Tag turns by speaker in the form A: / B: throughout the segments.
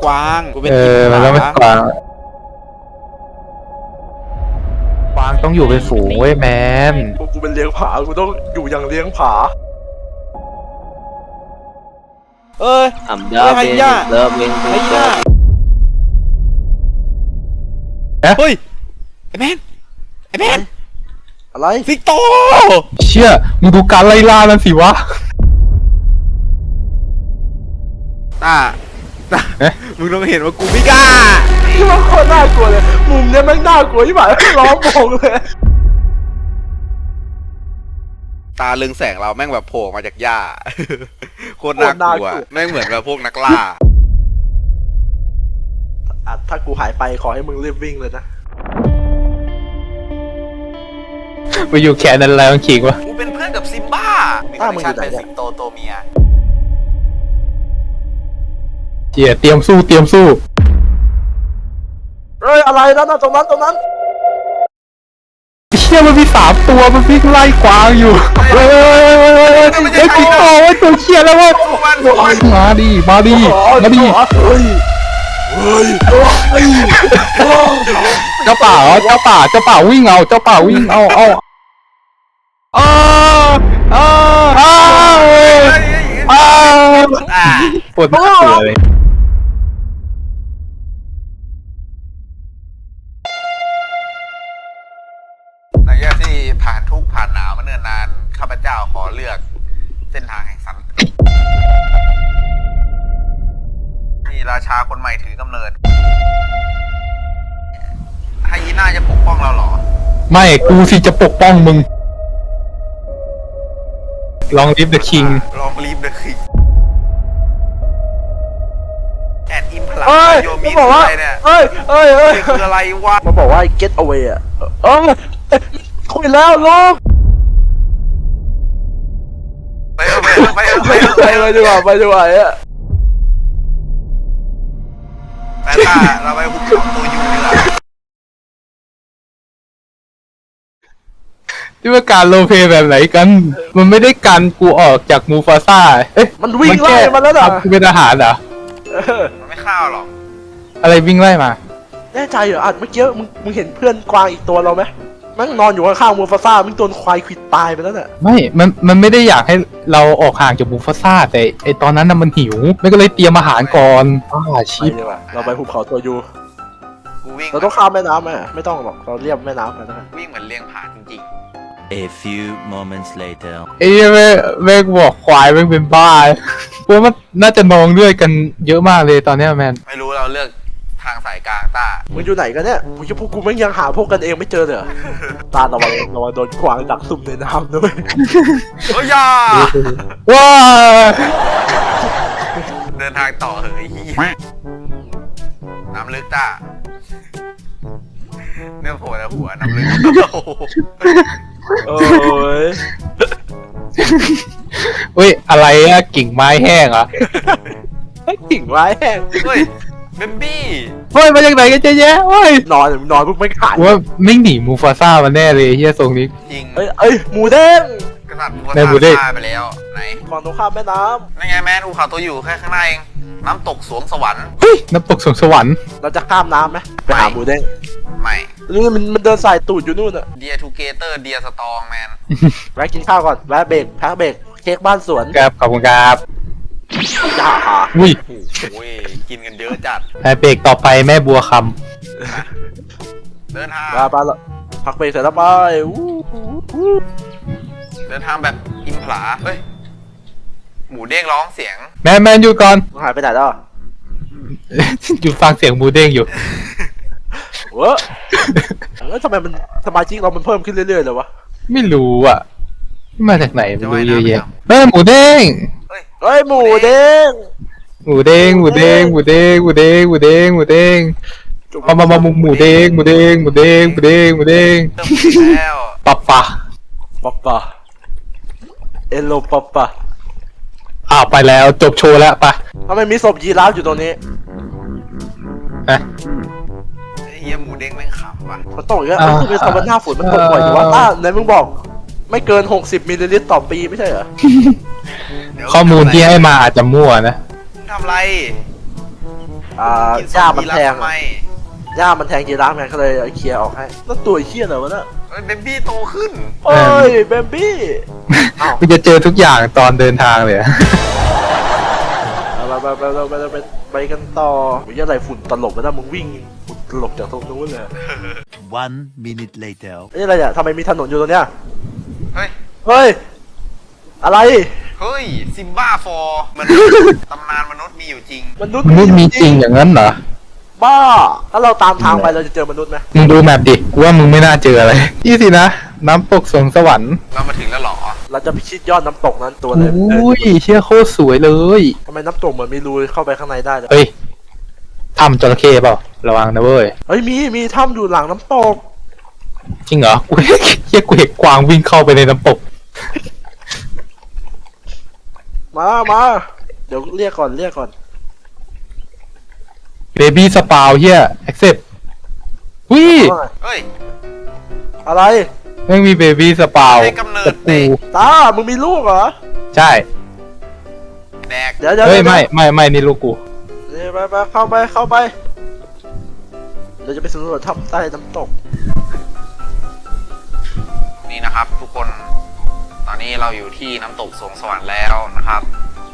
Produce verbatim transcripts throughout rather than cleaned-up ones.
A: กวางกูเป็น
B: เออมันต้องเป็นกวางกวางต้องอยู่เป็นฝูงเว้ยแมน
C: พวกกูเป็นเลี้ยงผากูต้องอยู่อย่างเลี้ยงผา
A: เอ้ย
D: I'm loving it loving
A: ไอ้
D: it
A: ย่าเฮ้ยไอ้แมนไอ้แมน
C: อะไร
A: สิงโต
B: เชี่ยมึงดูการไล่ล่านั่นสิวะ
A: ตาตามึงต้องเห็นว่ากูไม่กล้า
C: ที่มันโคตรน่ากลัวเลยมุมเนี้ยแม่งน่ากลัวที่หมายล้อมวงเลย
A: ตาเรืองแสงเราแม่งแบบโผล่มาจากหญ้าโคตรน่ากลัวแม่งเหมือนแบบพวกนักล่า
C: อ่ะถ้ากูหายไปขอให้มึงรีบวิ่งเลยนะ
B: ไปอยู่แขนนั้นแล้วขิงวะ
A: กูเป็นเพื่อนกับซิมบ้ามีคอนเนคชั่นเป็นสิงโตตัวเมีย
B: เชี่ยเตรียมสู้เตรียมสู้
C: เฮ้ยอะไรนั่นน่ะตรงนั้นตรงนั้น
B: เชี่ยมันมีสามตัวมันวิ่งไล่กวางอยู่เฮ้ยเฮ้ยเฮ้ยเฮ้ยเฮ้ยเฮ้ยสิงโตไอ้ตัวเชี่ยแล้ววะมาดิมาดิมาดิ
C: เฮ้ยเฮ้ยเฮ้ย
B: เจ้าป่าเหรอเจ้าป่าเจ้าป่าวิ่งเอาเจ้าป่าวิ่งเอาเอาอ้าอ้าอ้าอ้าปวดหัวเลย
A: หลังจากที่ผ่านทุกข์ผ่านหนาวมาเนิ่นนานข้าพเจ้าขอเลือกเส้นทางแห่งสันติที่ราชาคนใหม่ถือกำเนิดไฮยีน่าจะปกป้องเราเหรอ
B: ไม่กูสิจะปกป้องมึงลองลิฟเดอะคิง
A: ลองลีฟเดอะคิงแอดอิมพลัง
C: เฮ้ย
A: โย
C: มั
A: มิ
C: น
A: ส
C: บอกว่า
A: อะไรเนี่ย
C: เฮ้ยเฮ้ยเฮ้ย
A: คืออะไรวะ
C: มันบอกว่า get away อ่ะเออคุยแล้วลูก
A: ไปเถอะไปเถอะไปเถอะ
C: ไป
A: ไป
C: ไป
A: เถอะ
C: ดีกว่าไปดีกว่าอ่ะ
A: แปนต้าเราไปหุบเขาตัวยูดีกว่า
B: ที่ว่าการโรลเพลย์แบบไหนกัน มันไม่ได้กันกูออกจากมูฟาซ่าเอ๊ะ
C: มันวิ่งไล่มาแล้วน่ะ
B: กูเป็นทหารเหรอ
C: เออ
A: มันไม่เข้าหรอก
B: อะไรวิ่งไล่มา
C: แน่ใจเหรออัดเมื่อกี้มึงมึงเห็นเพื่อนกวางอีกตัวเราไหมมันนอนอยู่ข้างๆมูฟาซ่ามันโดนควายควิดตายไปแล้วเนี่ย
B: ไม่ มัน มันไม่ได้อยากให้เราออกห่างจากมูฟาซ่าแต่ไอตอนนั้นน่ะมันหิวไม่ก็เลยเตรียมอาหารก่อนอ่า
C: ไป
B: ชิป
C: ดีกว่าเราไปภูเขาตัวยู
A: กูวิ่ง
C: เราต้องข้ามแม่น้ำไหมไม่ต้องหรอกเราเรียบแม่น้ำกันนะ
A: วิ่งเหมือนเลี้ยงผาจริง
E: A few moments later.
B: ไอ้เหี้ยแม่แม่งบอกควายแม่งเป็นบ้าเพราะมันน่าจะนองเลือดกันเยอะมากเลยตอนเนี้ยแมน
A: ๆไม่รู้เราเลือกทางสายกลางต้า
C: มึงอยู่ไหนกันเนี่ยมึงจะพวกกูไม่ยังหาพวกกันเองไม่เจอเลยเหรอตาระวังระวังโดนกวางดักซุ่มในน้ำด้วย
A: โอ้ยยา
B: ว้า
A: เดินทางต่อเหยเหี้ยน้ำลึกต้าเนื้อโผล่แต่หัวน้ำลึกโอ้โห
C: โอ้ย
B: เฮ้ยอะไรอะกิ่งไม้แห้งเหรอ
C: กิ่งไม้แห้ง
A: เฮ้ยเบมบี้
B: เฮ้ยมาจากไหนกันเจ๊แยะเฮ้ย
C: นอนนอนปุ๊บไม่ขาด
B: ว่าไม่หนีมูฟาซ่ามาแน่เลยเฮียทรงนี้
A: จริง
C: เอ้ยเอ้ยหมูเด้ง
A: กษัตริย์วัว
B: ในหมู่เด้ง
A: ตายไปแล้วไหน
C: ฝั่งตรงข้ามแม่น้
A: นั่นไงแม่ภูเขาตัวอยู่แค่ข้างหน้าเองน้ำตกสวงสวรรค์
B: เฮ้ยน้ำตกสวงสวรรค์
C: ำเราจะข้ามน้ำไหมไปหาหมูเด้ง
A: ไม่
C: นี่มันมันเดินสายตูดอยู่นู่นอะ
A: เดียทูเกเตอร์เดียสตองแมน
C: แวะกินข้าวก่อนแวะเบรกพักเบรกเค้กบ้านสวน
B: ครับขอบคุณครับ
C: จ้าหา
B: อุ้ย
A: โอ้ยกินกันเยอะจัด
B: ไอเบรกต่อไปแม่บัวค
A: เดินทาง
C: มาไปแล้วพักเบรกเสร็จแล้วไปอู้หูอู้
A: เดินทางแบบอิมผลาเฮ้ยหมูเด้งร้องเสียง
B: ำแมนแมนอยู่ก่อน
C: มึงหายไปไหนแล้วอะ
B: อยู่ฟังเสียงหมูเด้งอยู่
C: เว้อแล้วทำไมมันสมาชิกเรามันเพิ่มขึ้นเรื่อยๆเลยวะ
B: ไม่รู้อ่ะ มาจากไหนไม่
A: จะ
B: รู้
A: ว่าย
B: เยอะ
A: น้ำไป
B: แยะ
A: ทำ
B: แม่หมูเด้ง
A: เฮ้ย
C: เฮ้ยหมูเด้ง
B: หมูเด้งหมูเด้งหมูเด้งหมูเด้งหมูเด้งหมูเด้งมามามาหมูหมูเด้งหมูเด้งหมูเด้งหมูเด้งหมูเด้ง
A: เติมอีกแล้ว
B: ปะปะ
C: ป๊อปปะเอโลป๊อปปะ
B: อ้าวไปแล้วจบโชว์แล้วปะ
C: ทำไมมีศพยีราฟอยู่ตรงนี้
B: นะ
A: ไอ้เฮียหมูเด้งแม่งขำว่ะ
C: มันตกอีกแล้ว
B: อ่า
C: มันคือทำวันหน้าฝนมันตกบ่อยอยู่ว่าต้าไหนมึงบอก ไม่เกินหกสิบมิลลิลิตรต่อปีไม่ใช่เหรอ
A: เดี๋ยว
B: ข้อมูลที่ให้มาอาจจะมั่วนะ
A: มึงทำอะไร
C: อ่า
A: กิน
C: หญ้า
A: ซอม
C: มัน
A: บี้รั
C: แท
A: ก
C: ง
A: ทำไม
C: หญ้ามันแทงยีราฟไงก็เลยเอาเคลียร์ออกให้แล้วตัวไอ้เหี้ยอะไรวะเนี่ย
A: เฮ้ยเบบี้โตขึ้น
C: โอ้ยเบบี้อ้าว
B: กูจะเจอทุกอย่างตอนเดินทางเลยอะ
C: ไปไปไปไปไปไปไปกันต่อมึงจะอะไรฝุ่นตลบแล้วนะมึงวิ่งฝุ่นตลบจากตรงนู้นเลย
E: One minute later.
C: นี่อะไรเนี่ยทำไมมีถนนอยู่ตรงเนี้ย
A: เฮ้ย
C: เฮ้ยอะไร
A: เฮ้ยซิมบ้าฟอร์มันตำนานมนุษย์มีอยู่จริง
C: มนุษย์
B: มนุษย์มีจริงอย่างนั้นเหรอ
C: บ้า ถ้าเราตามทางไปเราจะเจอมนุษย์ไหม
B: มึงดูแมปดิกูว่ามึงไม่น่าเจออะไรนี่สินะน้ำตกสวงสวรรค์
A: เรามาถึงแล้วเหรอ
C: เราจะพิชิตยอดน้ำตกนั้นตัวเลย
B: อุ้ยเชี่ยโคตรสวยเลย
C: ทำไมน้ำตกเหมือนมีรูเข้าไปข้างในได้เลย
B: เฮ้ยทำจระเข้เปล่าระวังนะเว้ย
C: เฮ้ยมีมีถ้ำอยู่หลังน้ำตก
B: จริงเหรอกูเชี่ยกูเห็นกวางวิ่งเข้าไปในน้ำตก
C: มามาเดี๋ยวเรียกก่อนเรียกก่อน
B: เบบี้สปาวเฮียแอคเซปวิ
C: ว่าไง
A: เฮ้ย
C: อะไร
B: ไม่มีเบบี้สปาว
A: ให้กำเนิด
B: แต่
A: เด็
B: กู
A: ก
C: ตามึงมีลูกเหรอ
B: ใช่
A: แดก
C: เดี๋ยวเดี๋ยว
B: เฮ้ย
C: ดี๋ว
B: ไม่ไม่ไม่นี่ลูกกู
C: เดี๋ยวไปไปเข้าไปเข้าไปเดี๋ยวจะไปสำรวจถ้ำใต้น้ำตก
A: นี่นะครับ ทุกคน ตอนนี้เราอยู่ที่น้ำตกสวงสวรรค์แล้วนะครับ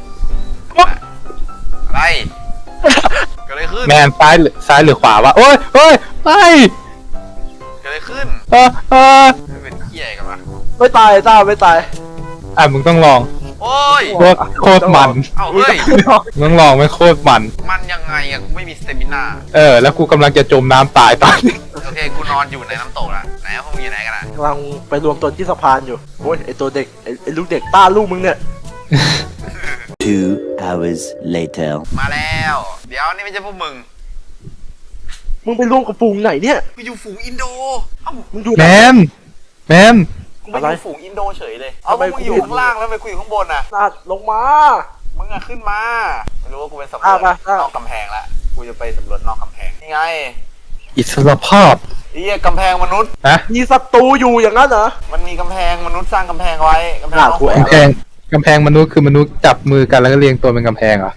A: อะไรเกิดอะไรขึ้น
B: แมนซ้ายหรือซ้ายหรือขวาวะโอ้ยโอ้ยไม่
A: เกิดอะไรขึ้น
B: เออเออ
A: ไม่เป็นเหี้ยกันวะ
C: ไม่ตายตาไม่ตาย
B: อ่ะมึงต้องลอง
A: โอ้ย
B: โคตรโคตรมัน
A: เอ้าเฮ้ย
B: มึงต้องลองไม่โคตรมัน
A: มันยังไงอะกูไม่มีสเตมิน่า
B: เออ แล้วกูกำลังจะจมน้ำตายตอนนี้
A: โอเคกูนอนอยู่ในน้ำตกละไหนพวกมึงอยู่ไหนกันอะ
C: กำลังไปรวมตัวที่สะพานอยู่โอ้ยไอตัวเด็กไอไอลูกเด็กต้าลูกมึงเนี่ย
E: Two hours later.
A: มาแล้ว เดี๋ยวนี่ไม่ใช่พวกมึง
C: มึงไปรวมกับฝูงไหนเนี่ย
A: กูอยู่ฝูงอินโดเอ้า
C: มึงดู
B: แมนแมน
A: กูไม่อยู่ฝูงอินโดเฉยเลยเอาพวกมึงอยู่ข้างล่างแล้วทำไมกูอยู่ข้างบนอะ
C: ลาดลงมา
A: มึงอะขึ้นมาไม่รู้ว่ากูเป็นสำรว
C: อ่ะ
A: จ
C: มาอ่ะ
A: นอกกำแพงละกูจะไปสำรวจนอกกำแพงนี่ไง
B: อิสรภาพ
A: ไอ้เหี้ยกำแพงมนุษย์
B: ฮะ
C: มีศัตรูอยู่อย่างนั้นเหรอ
A: มันมีกำแพงมนุษย์สร้างกำแพงไว้กำแพง
C: อ่ะ
A: นอก
C: กูแอบ
B: กำแพงกำแพงมนุษย์คือมนุษย์จับมือกันแล้วก็เรียงตัวเป็นกำแพงเหรอ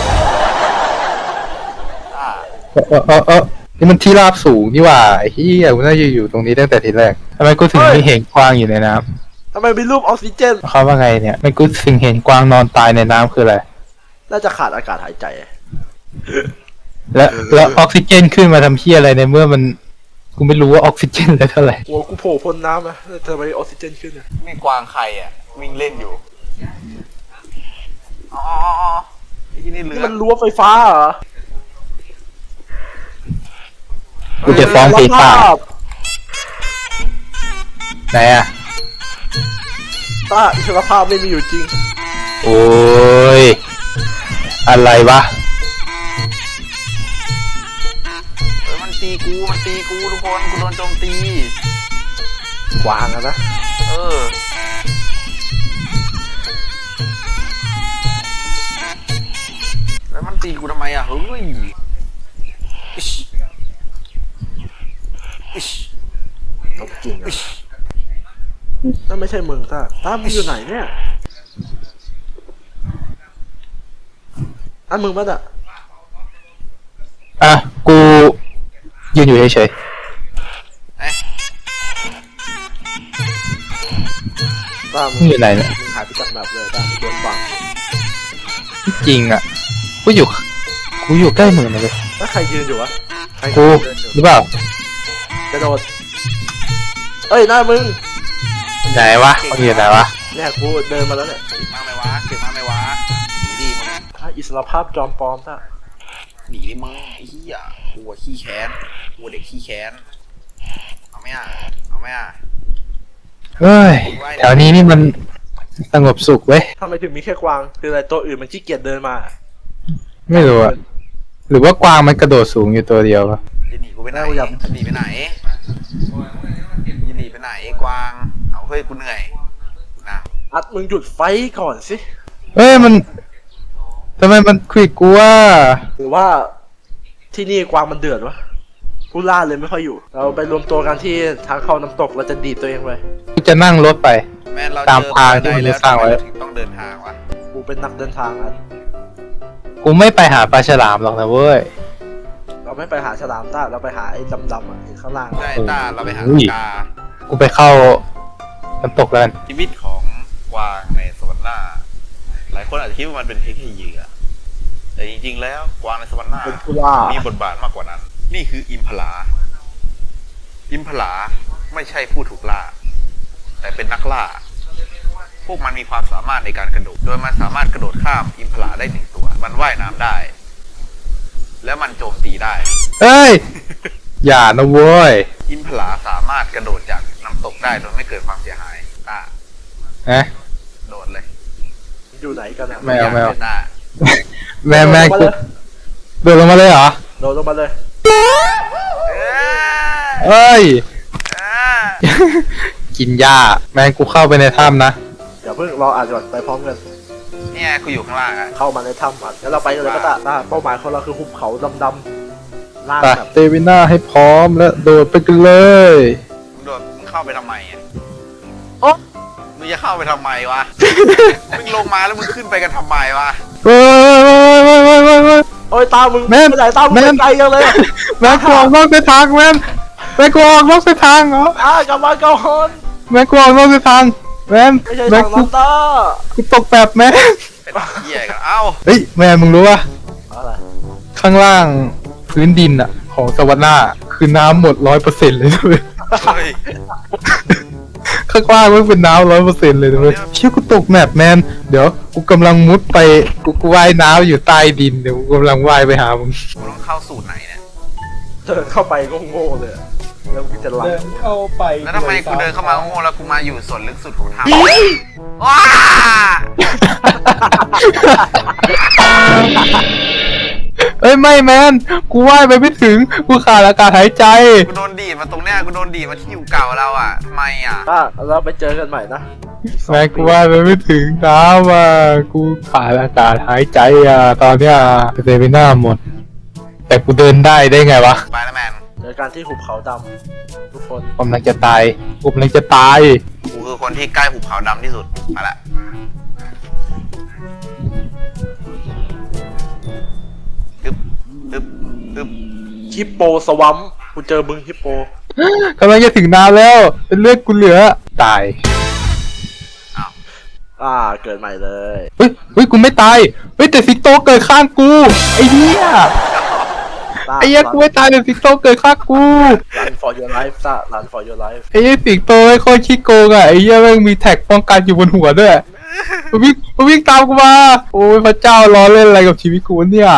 A: อ่ะ
B: เออเออเออเออนี่มันที่ราบสูงนี่หว่าไอ้เหี้ยกูน่าจะอยู่ตรงนี้ตั้งแต่ทีแรกทำไมกูถึงไม่เห็นกวางอยู่ในน้
C: ทำไมมีรูปออกซิเจน
B: ำเขาว่าไงเนี่ยไม่กูถึงเห็นกวางนอนตายในน้ำคืออะไร
C: น่าจะขาดอากาศหายใจ
B: แล้วแล้วออกซิเจนขึ้นมาทำเหี้ยอะไรในเมื่อมันกูไม่รู้ว่าออกซิเจนแล้วเท่าไหร่
C: หัวกูโผล่พ้นน้ำอะทำไมออกซิเจนขึ้นอะ
A: มีกวางใครอ่ะวิ่งเล่นอยู่อ๋ออ๋ออ๋อไอ้ที่นี่เรื
C: นี่
A: อ
C: มันรั้วไฟฟ้าเหรอ
B: กูจะฟ้องเพต้า
C: ภาพ
B: ไหนอะ
C: ต้าอิสรภาพไม่มีอยู่จริง
B: โอ้ยอะไรวะ
A: เฮ้ยมันตีกูมันตีกูทุกคนกูโดนโจมตี
C: กวางอะนะ
A: เออแล้วมันตีกูทำไมอ่ะเฮ้ยอิชอิช
C: เอาจริงอะนั่นไม่ใช่มึงต้าต้ามึงอยู่ไหนเนี่ย อันมึงมั้งอะ
B: อ่ะกูยืนอยู่เฉย
A: เอ้ย
C: ต้า
B: ๆ
C: มึ
B: มึงอยู่ไหนเนี่ย
C: มึงหายไปจากแบบเลยต้ามึงโดนฟัง
B: จริงอ่ะกูอยู่กูอยู่ใกล้มึงนะเลย
C: แล้วใครยืนอยู่วะใคร
B: กู
C: เดินอยู่
B: หรือเปล่าก
C: ระโดดเอ้ยหน้ามึง
B: ไหนวะมึงอยู่ไหนวะ
C: เนี่ยกูเดินมาแล้วเนี่ย
A: เก่งมากไหมวะเก่งมากไหมวะหนีดิมึง
C: ถ้าอิสรภาพจอมปลอมต้า
A: หนีดิมึงไอ้เหี้ยกูอะขี้แค้นกูเด็กขี้แค้นเอาไหมอ่ะเอาไหมอ่ะ
B: เฮ้ยแถวนี้นี่มันสงบสุขเว้ย
C: ทำไมถึงมีแค่กวาง คืออะไรตัวอื่นมันขี้เกียจเดินมา
B: ไม่รู้อะหรือว่ากวางมันกระโดดสูงอยู่ตัวเดียววะ
A: จะหนีกูไปไหน
C: เอาอย่า
A: จะหนีไปไหนจะหนีไปไหนไอ้กวางเอาเฮ้ยกูเหนื่อยนะ
C: อัดมึงหยุดไฟก่อนสิ
B: เอ้ยมันทำไมมันควิดกูว่า
C: หรือว่าที่นี่กวางมันเดือดวะผู้ล่าเลยไม่ค่อยอยู่ เราไปรวมตัวกันที่ทางเข้าน้ำตกเราจะดีดตัวเองไป
B: กูจะนั่งรถไป
A: แม่นเรา
B: ตาม
A: เจอ
B: ทางที่มัน
A: แล้ว
B: สร้างไว้
A: ทำมเถึงต้องเดินทางวะ
C: กูเป็นนักเดินทางอัด
B: กูไม่ไปหาปลาฉลามหรอกนะเว้ย
C: ไม่ไปหาฉลามต้าเราไปหาไอ้ดำๆอ่ะไอ้ข้างล่าง
A: ได้ต้าเราไปหา
B: อุ้ย
A: กา
B: กูไปเข้าน้ำตกแล้วกัน
A: ชีวิตของกวางในสวรรค์หน้า หลายคนอาจจะคิดว่ามันเป็นเพียงแค่เหยื่อแต่จริงๆแล้วกวางในสวรรค์หน้า
C: เป็นผู้ล่า
A: มีบทบาทมากกว่านั้น นี่คืออิมพลา อิมพลาไม่ใช่ผู้ถูกล่า แต่เป็นนักล่า พวกมันมีความสามารถในการกระโดด โดยมันสามารถกระโดดข้ามอิมพลาได้หนึ่งตัว มันว่ายน้ำได้ แล้วมันโจมตีได้
B: เอ้ย อย่านะเว้ย
A: อิมพลาสามารถกระโดดจากน้ำตกได้โดยไม่เกิดความเสียหายอ่ะ
B: นะ
A: โดดเลย
C: อยู่ไหนกันอ่ะ
B: ไม่เอาไม่เอา
A: ต้า
B: แม่แม่กูโดดลงมาเลยเหรอ
C: โดดลงมาเลย
B: เอ้ย
A: เอ้ย
B: กินหญ้าแม่งกูเข้าไปในถ้ำนะ
C: เดี๋ยวเพิ่งรออ่านก่อนไปพร้อมกัน
A: เนี่ยกูอยู่ข้างล่างอ่ะ
C: เข้ามาในถ้ำอ่ะแล้วเราไปกันเลยก็ตาต้าเป้าหมายของเราคือหุบเขาดำๆล่าง
B: ไป
C: แบบ
B: เตวิน่าให้พร้อมและโดดไปกันเลย
A: มึงโดดมึงเข้าไปทำไมอ่ะ
C: โอ๊ะ
A: มึงจะเข้าไปทำไมวะ มึงลงมาแล้วมึงขึ้นไปกันทำไมวะ
B: เฮ้ยเฮ้ยเฮ้ยเฮ้ยเฮ้ย
C: โอ้ยตามึง
B: แม่น
C: ไปไหนตามึง
B: แม่
C: ไป
B: น
C: ไกลยังเลย
B: แม่งกูออกนอกเส้นทางแม่งแม่งกูออกนอกเส้นทางเหรอ
C: อ่ากลับมาก่อน
B: แม่งกูออกนอกเส้นทางแม่ง
C: ไม่ใช่
B: แม่
C: ทาง ง
B: กู
C: นั้นตา
B: กูตกแบบแม่ง
A: เป็นเหี้ยกัน เอ้า
B: เฮ้ยแม่มึงรู้ป่ะ
C: อะไร
B: ข้างล่างพื้นดินอะของสวรรค์หน้าคือน้ำหมดร้อยเปอร์เซ็นต์เลยด้วย
A: เฮ้ย
B: ข้างล่างมันเป็นน้ำร้อยเปอร์เซ็นต์เลยด้วยเชื่อกูตกแมปแมนเดี๋ยวกูกำลังมุดไปกูกูว่ายน้ำอยู่ใต้ดินเดี๋ยวกูกำลังว่ายไปหามึง
A: กูต้องเข้าสูตรไหนเนี่ย
C: เดินเข้าไปก็โง่เลยอะแล้วกูจะหลัง
B: เข้าไป
A: แล้วทำไมกูเดินเข้ามาโง่ๆแล้วกูมาอยู่ส่วนลึกสุดของถ้ำว้า
B: เอ้ยไม่แมนกูว่ายไปไม่ถึงกูขาดอากาศหายใจ
A: กูโดนดีดมาตรงเนี้ย กูโดนดีดมาที่อยู่เก่าเราอ่ะทำไมอ่ะ
C: อ่ะเราไปเจอกันใหม่นะ
B: แม่งกูว่ายไปไม่ถึงน้ำอ่ะกูขาดอากาศหายใจอ่ะตอนเนี้ยเซมิน่าหมด แต่กูเดินได้ได้ไงวะ
A: ไปแล้วแมน
C: เจอกันที่หุบเขาดำทุกคน
B: ผมกำลังจะตายผมกำลังจะตาย
A: กูคือคนที่ใกล้หุบเขาดำที่สุดมาละอึ๊บอึ๊บอึ๊บ
C: ฮิปโปสวัมกูเจอมึงฮิปโป
B: กำลังจะถึงน้ำแล้ว เป็นเลือดกูเหลือตาย
C: อ่าเกิดใหม่เลย
B: เฮ้ยเฮ้ยกูไม่ตายเฮ้ยแต่สิงโตเกิดข้างกูไอ้เหี้ย
C: ต้า
B: ไอ้เหี้ยกูไม่ตายแต่สิงโตเกิดข้างกู
C: รัน for your life ต้ารัน for your life
B: ไอ้เหี้ยสิงโตไอ้โคตรขี้โกงอ่ะไอ้เหี้ยแม่งมีแท็กป้องกันอยู่บนหัวด้วยมันวิ่งมันวิ่งตามกูมาโอ้ยพระเจ้าล้อเล่นอะไรกับชีวิตกูวะเนี่ย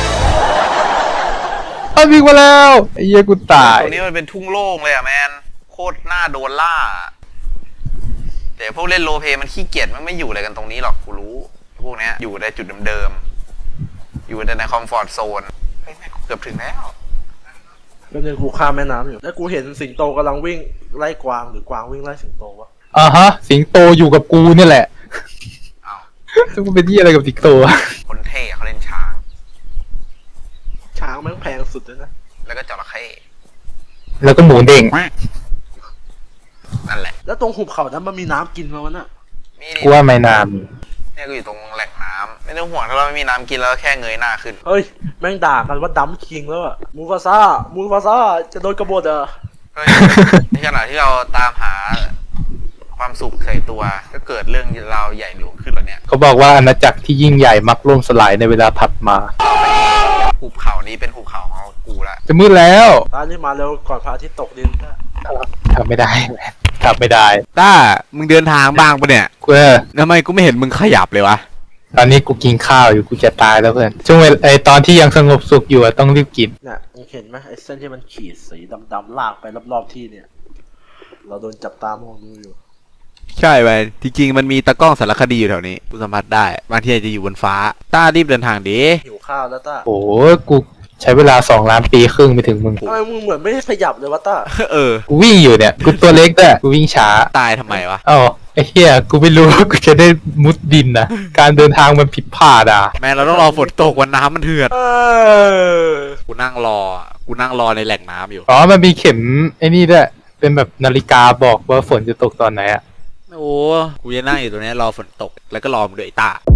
B: เอาวิ่งมาแล้วไอ้เหี้ยกูตาย
A: ตรงนี้มันเป็นทุ่งโล่งเลยอ่ะแมน โคตรน่าโดนล่า แต่พวกเล่นโรลเพลย์มันขี้เกียจมันไม่อยู่อะไรกันตรงนี้หรอกกูรู้ พวกเนี้ยอยู่ในจุดเดิมๆ อยู่แต่ในคอมฟอร์ทโซนเฮ้ยแม่งเกือบถึงแล้ว
C: แล้วเนี่ยกูข้ามแม่น้ำอยู่แล้วกูเห็นสิงโตกำลังวิ่งไล่กวางหรือกวางวิ่งไล่สิงโตวะ
B: อ่าฮะสิงโตอยู่กับกูเนี่ยแหละ
A: อ้าว
B: ซึ่งกูเป็นที่อะไรกับสิงโตอะ
A: คนเท่เขาเล่นช้าง
C: ช้างแม่งแพงสุดเลยนะ
A: แล้วก็จระเข้
B: แล้วก็หมูเด้ง
A: นั่นแหละ
C: แล้วตรงหุบเขานั้นมันมีน้ำกินมาวะน่ะ
A: มี
B: กูว่าไม่นาน
A: เนี่ยกูอยู่ตรงแหล่งน้ำไม่ต้องห่วงถ้าเราไม่มีน้ำกินแล้วแค่เงยหน้าขึ้น
C: เฮ้ยแม่งด่ากันว่าดัมคิงแล้วอะมูฟาซ่ามูฟาซ่าจะโดนกบฏเหรอ
A: เฮ้ย ในขณะที่เราตามหาความสุขใส่ตัว ก็เกิดเรื่องราวใหญ่หลวงขึ้นแล้วเนี่ย
B: เขาบอกว่าอาณาจักรที่ยิ่งใหญ่มักล่มสลายในเวลาถัดมา
A: หุบเขานี้เป็นหุบเขาของกูละ
B: จะมืดแล้ว
C: ตอนนี้มาเร็วก่อนพระอาทิตย์ตกดินนะ
B: ทำไม่ได้ทำไม่ได้
F: ต้า มึงเดินทางบ้างปะเนี่ย
B: กูเออ
F: ทำไมกูไม่เห็นมึงขยับเลยวะ
B: ตอนนี้กูกินข้าวอยู่กูจะตายแล้วเพื่อนช่วงเวลาไอตอนที่ยังสงบสุขอยู่อะต้องรีบกิน
C: เนี่ยมึงเห็นไหมไอ้เส้นที่มันขีดสีดำๆลากไปรอบๆที่เนี่ย เราโดนจับตามองดูอยู่
F: ใช่ไปจริงๆมันมีตะกล้องสารคดีอยู่แถวนี้ กูสัมผัสได้ บางทีอาจจะอยู่บนฟ้า ต้ารีบเดินทางดิ
C: หิวข้าวแล้วต้า
B: โอ้โหกูใช้เวลาสองล้านปีครึ่งไปถึงมึง
C: ทำไมมึงเหมือนไม่ได้ขยับเลยวะต้า
F: เออ
B: กูวิ่งอยู่เนี่ยกูตัวเล็กด้วยกูวิ่งช้า
F: ตายทำไมวะ
B: เอ้าไอ้เหี้ยกูไม่รู้ว่ากูจะได้มุดดินนะการเดินทางมันผิดพลาดอ่ะ
F: แม่เราต้องรอฝนตกวันน้ำมันเถื่อน
C: เออ
F: กูนั่งรอ กูนั่งรอในแหล่งน้ำอยู่
B: อ๋อมันมีเข็มไอ้นี่ด้วยเป็นแบบนาฬิกาบอกว่าฝนจะตกตอนไหนอ่ะ
F: โอ้ กูจะนั่งอยู่ตรงนี้รอฝนตก แล้วก็รอมึงด้วยไอ้ต้า